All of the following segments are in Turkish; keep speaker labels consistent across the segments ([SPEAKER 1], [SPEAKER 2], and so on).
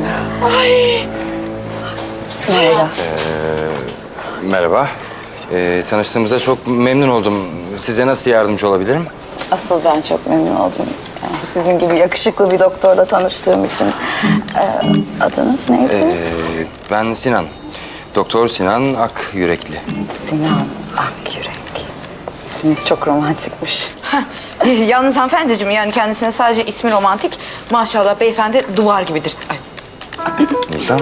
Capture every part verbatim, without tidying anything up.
[SPEAKER 1] Ay. Merhaba.
[SPEAKER 2] Ee, merhaba. Ee, tanıştığımıza çok memnun oldum. Size nasıl yardımcı olabilirim?
[SPEAKER 1] Asıl ben çok memnun oldum. Yani sizin gibi yakışıklı bir doktorla tanıştığım için. Ee, adınız neydi?
[SPEAKER 2] Ee, ben Sinan. Doktor Sinan Akyürekli.
[SPEAKER 1] Sinan Akyürek. İsminiz çok romantikmiş.
[SPEAKER 3] Heh, yalnız hanımefendiciğim yani kendisine sadece ismi romantik. Maşallah beyefendi duvar gibidir. Ay.
[SPEAKER 2] Nisan.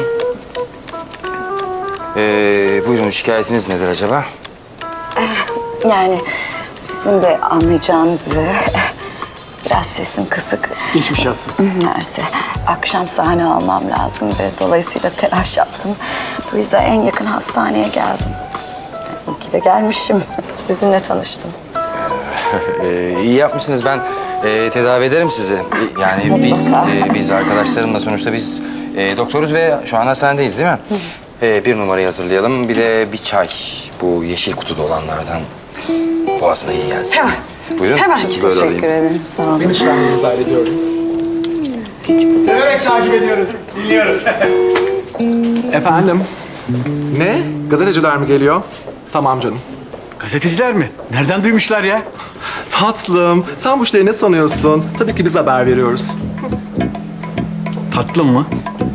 [SPEAKER 2] Ee, buyurun, şikayetiniz nedir acaba?
[SPEAKER 1] Yani sizin de anlayacağınız üzere biraz sesim kısık.
[SPEAKER 4] Geçmiş olsun.
[SPEAKER 1] Neyse, akşam sahne almam lazım ve dolayısıyla telaş yaptım. Bu yüzden en yakın hastaneye geldim. İyi ki de gelmişim. Sizinle tanıştım.
[SPEAKER 2] Ee, iyi yapmışsınız. Ben e, tedavi ederim sizi. Yani biz e, biz arkadaşlarımla sonuçta biz e, doktoruz ve şu an hastanedeyiz değil mi? Ee, bir numarayı hazırlayalım. Bir de bir çay. Bu yeşil kutuda olanlardan. Boğazına iyi gelsin.
[SPEAKER 3] Hemen.
[SPEAKER 2] Buyurun.
[SPEAKER 3] Hemen.
[SPEAKER 2] Sizi böyle
[SPEAKER 1] Teşekkür
[SPEAKER 2] alayım.
[SPEAKER 1] ederim. Sağ olun.
[SPEAKER 4] Ben işlemlerinizi hallediyorum. Severek takip ediyoruz. Dinliyoruz. Efendim? Ne? Gazeteciler mi geliyor? Tamam canım.
[SPEAKER 5] Gazeteciler mi? Nereden duymuşlar ya?
[SPEAKER 4] Tatlım, sen bu işleri ne sanıyorsun? Tabii ki biz haber veriyoruz.
[SPEAKER 5] Tatlım mı?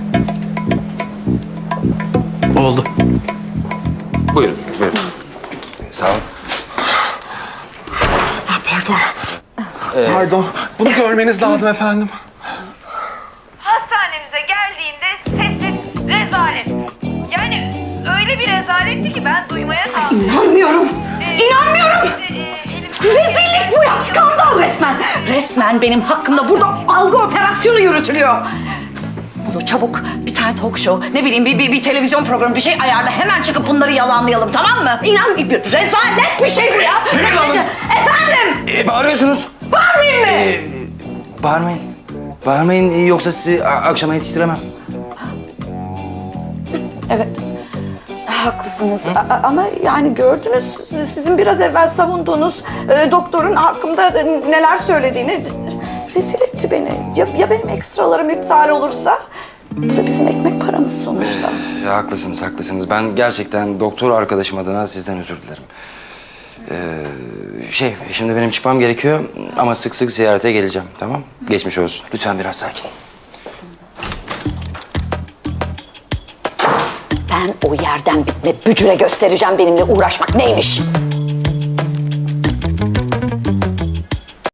[SPEAKER 5] Oldu.
[SPEAKER 2] Buyurun. Buyurun. Sağ olun.
[SPEAKER 4] Ah, pardon. Pardon. Bunu görmeniz lazım efendim.
[SPEAKER 6] Hastanemize geldiğinde sessiz rezalet. Yani öyle bir rezaletti ki ben duymaya kaldım.
[SPEAKER 1] İnanmıyorum. İnanmıyorum.
[SPEAKER 6] Ee,
[SPEAKER 1] Rezillik bu ya. Skandal resmen. Resmen benim hakkımda burada algı operasyonu yürütülüyor. Olur çabuk bir tane talk show, ne bileyim bir, bir, bir televizyon programı bir şey ayarla. Hemen çıkıp bunları yalanlayalım, tamam mı? İnan bir rezalet bir şey bu ya. Efendim?
[SPEAKER 2] Ee, bağırıyorsunuz.
[SPEAKER 1] Bağırmayayım mı?
[SPEAKER 2] Ee, bağırmayın. Bağırmayın ee, yoksa sizi a- akşama yetiştiremem.
[SPEAKER 1] Evet. Haklısınız. A- a- ama yani gördünüz sizin biraz evvel savunduğunuz e, doktorun hakkımda e, neler söylediğini rezil etti beni. Ya, ya benim ekstralarım iptal olursa? Bu da bizim ekmek paramız sonuçta.
[SPEAKER 2] Ya, haklısınız, haklısınız. Ben gerçekten doktor arkadaşım adına sizden özür dilerim. Ee, şey, şimdi benim çıkmam gerekiyor ama sık sık ziyarete geleceğim, tamam? Geçmiş olsun. Lütfen biraz sakin.
[SPEAKER 1] Ben o yerden bitme bücüre göstereceğim benimle uğraşmak neymiş.